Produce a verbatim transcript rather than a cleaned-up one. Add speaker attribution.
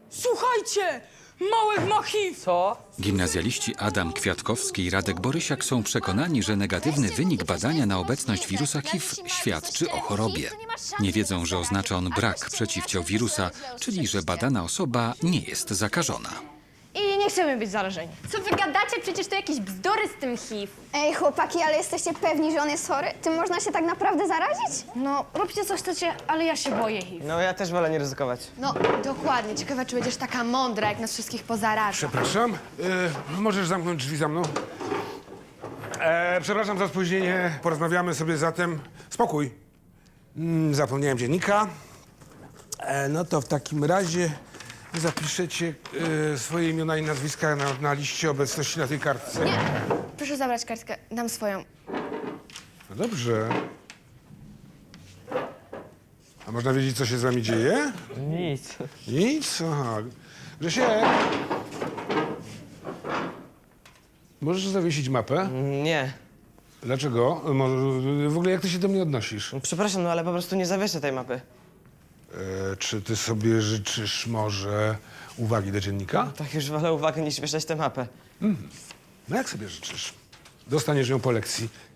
Speaker 1: Słuchajcie! Małek ma H I V!
Speaker 2: Co?
Speaker 3: Gimnazjaliści Adam Kwiatkowski i Radek Borysiak są przekonani, że negatywny wynik badania na obecność wirusa H I V świadczy o chorobie. Nie wiedzą, że oznacza on brak przeciwciał wirusa, czyli że badana osoba nie jest zakażona.
Speaker 4: I nie chcemy być zarażeni.
Speaker 5: Co wy gadacie? Przecież to jakieś bzdury z tym H I V.
Speaker 6: Ej, chłopaki, ale jesteście pewni, że on jest chory? Tym można się tak naprawdę zarazić?
Speaker 4: No, róbcie co chcecie, ale ja się boję H I V.
Speaker 2: No ja też wolę nie ryzykować.
Speaker 5: No, dokładnie. Ciekawe, czy będziesz taka mądra, jak nas wszystkich pozaraża.
Speaker 7: Przepraszam, yy, możesz zamknąć drzwi za mną? E, przepraszam za spóźnienie, porozmawiamy sobie zatem. Spokój. Mm, zapomniałem dziennika. E, no to w takim razie zapiszecie e, swoje imiona i nazwiska na, na liście obecności na tej kartce.
Speaker 5: Nie, proszę zabrać kartkę. Dam swoją.
Speaker 7: No dobrze. A można wiedzieć, co się z wami dzieje?
Speaker 2: Nic.
Speaker 7: Nic? Aha. Grzesiek! Możesz zawiesić mapę?
Speaker 2: Nie.
Speaker 7: Dlaczego? Może- W ogóle jak ty się do mnie odnosisz?
Speaker 2: Przepraszam, no ale po prostu nie zawieszę tej mapy.
Speaker 7: E, czy ty sobie życzysz może uwagi do dziennika?
Speaker 2: Tak już wolę uwagę niż wieszać tę mapę.
Speaker 7: No jak sobie życzysz? Dostaniesz ją po lekcji.